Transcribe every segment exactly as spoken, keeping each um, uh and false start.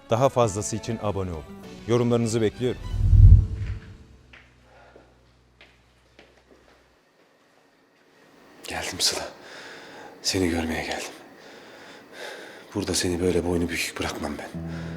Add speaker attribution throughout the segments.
Speaker 1: Daha fazlası için abone olun. Yorumlarınızı bekliyorum.
Speaker 2: Geldim Sıla. Seni görmeye geldim. Burada seni böyle boynu bükük bırakmam ben.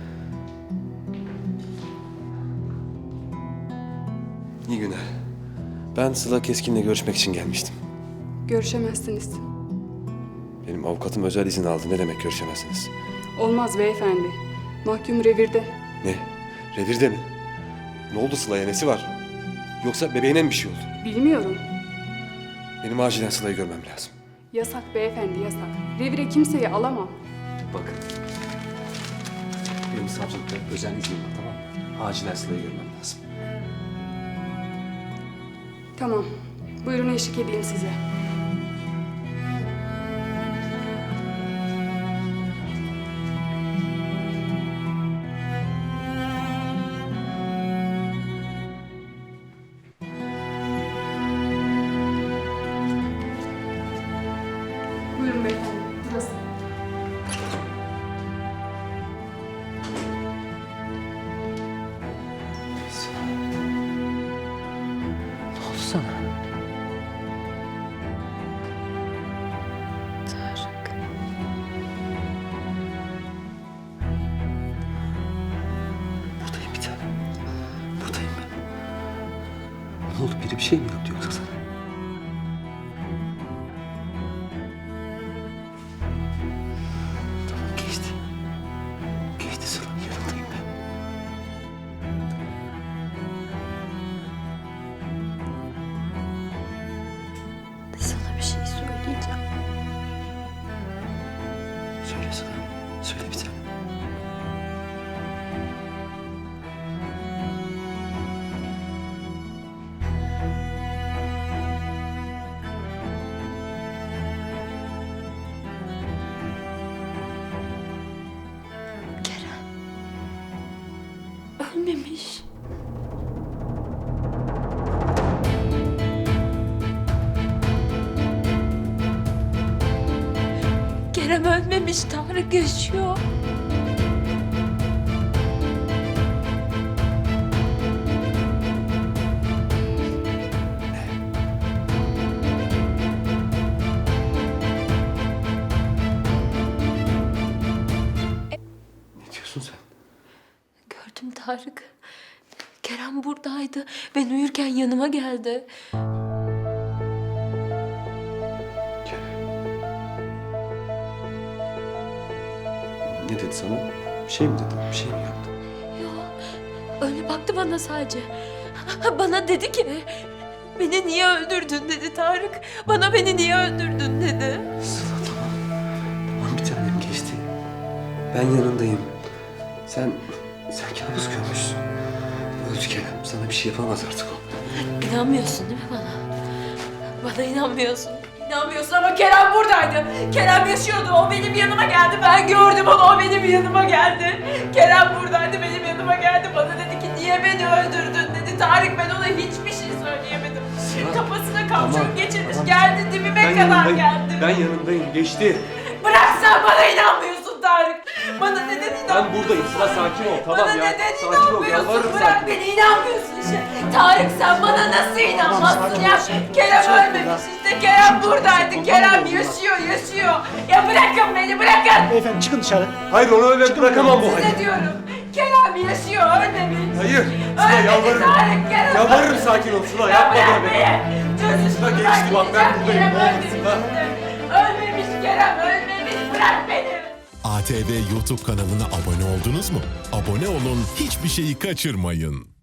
Speaker 2: İyi günler. Ben Sıla Keskin'le görüşmek için gelmiştim.
Speaker 3: Görüşemezsiniz.
Speaker 2: Benim avukatım özel izin aldı. Ne demek görüşemezsiniz?
Speaker 3: Olmaz beyefendi. Mahkum revirde.
Speaker 2: Ne? Revirde mi? Ne oldu Sıla'ya? Nesi var? Yoksa bebeğine mi bir şey oldu?
Speaker 3: Bilmiyorum.
Speaker 2: Benim acilen Sıla'yı görmem lazım.
Speaker 3: Yasak beyefendi, yasak. Revire kimseyi alamam.
Speaker 2: Bakın. Benim savcılıkta özel iznim var, tamam mı? Acilen Sıla'yı görmem lazım.
Speaker 3: Tamam. Buyurun eşlik edeyim size. Buyurun beyefendi, burası.
Speaker 2: Ne oldu sana?
Speaker 4: Tarık.
Speaker 2: Buradayım bir tanem. Buradayım ben. Ne oldu? Biri bir şey mi yaptı yoksa sana? Tamam, geçti. Geçti Sıla. Yanındayım ben.
Speaker 4: Sana bir şey söyleyeceğim.
Speaker 2: Söyle Sıla. Söyle bir tanem.
Speaker 4: Kerem. Ölmemiş. Kerem ölmemiş. Tarık yaşıyor.
Speaker 2: Ne diyorsun sen?
Speaker 4: Gördüm Tarık. Kerem buradaydı. Ben uyurken yanıma geldi.
Speaker 2: Ne dedi sana? Bir şey mi dedi? Bir şey mi yaptı?
Speaker 4: Yok. Öyle baktı bana sadece. Bana dedi ki... Beni niye öldürdün dedi Tarık. Bana beni niye öldürdün dedi.
Speaker 2: Sıla tamam. Tamam bir tanem, geçti. Ben yanındayım. Sen, sen kabus görmüşsün. Öldü Kerem. Sana bir şey yapamaz artık o.
Speaker 4: İnanmıyorsun değil mi bana? Bana inanmıyorsun. İnanmıyorsun ama Kerem buradaydı. Kerem yaşıyordu. O benim yanıma geldi. Ben gördüm onu. O benim yanıma geldi. Kerem buradaydı. Benim yanıma geldi. Bana dedi ki niye beni öldürdün dedi. Tarık, ben ona hiçbir şey söyleyemedim.
Speaker 2: Sıla,
Speaker 4: Kafasına kamçon
Speaker 2: tamam,
Speaker 4: geçirmiş.
Speaker 2: tamam.
Speaker 4: Geldi dibime
Speaker 2: Ben
Speaker 4: kadar
Speaker 2: yanındayım.
Speaker 4: geldi.
Speaker 2: Ben yanındayım. Geçti.
Speaker 4: Bırak, sen bana inanmıyorsun Tarık. Bana neden inanmıyorsun?
Speaker 2: Ben buradayım. Sıla sakin ol. Tamam
Speaker 4: Bana
Speaker 2: ya.
Speaker 4: neden
Speaker 2: Sakin ol.
Speaker 4: inanmıyorsun?
Speaker 2: Yalvarırım
Speaker 4: Bırak
Speaker 2: sakin.
Speaker 4: beni, inanmıyorsun işte. Tarık, sen bana nasıl inanmazsın ya? Kerem ölmemiş işte. Kerem buradaydı. Kerem yaşıyor, yaşıyor. Ya bırakın beni, bırakın.
Speaker 5: Beyefendi çıkın dışarı.
Speaker 2: Hayır, onu öyle bırakamam bu halde.
Speaker 4: Size diyorum. Kerem yaşıyor, ölmemiş.
Speaker 2: Hayır. Sıla
Speaker 4: Ölmedi
Speaker 2: yalvarırım.
Speaker 4: Tarık, Kerem
Speaker 2: Yalvarırım,
Speaker 4: ölmemiş.
Speaker 2: sakin ol Sıla.
Speaker 4: Ya
Speaker 2: Yapma
Speaker 4: bırak
Speaker 2: böyle.
Speaker 4: beni. Çözün
Speaker 2: Sıla
Speaker 4: şunu,
Speaker 2: geçti, bak ben
Speaker 4: gideceğim.
Speaker 2: buradayım.
Speaker 4: Kerem
Speaker 2: Ne olur
Speaker 4: ölmemiş
Speaker 2: Sıla.
Speaker 4: işte. Ölmemiş Kerem, ölmemiş. Bırak beni.
Speaker 6: A T V YouTube kanalına abone oldunuz mu? Abone olun, hiçbir şeyi kaçırmayın.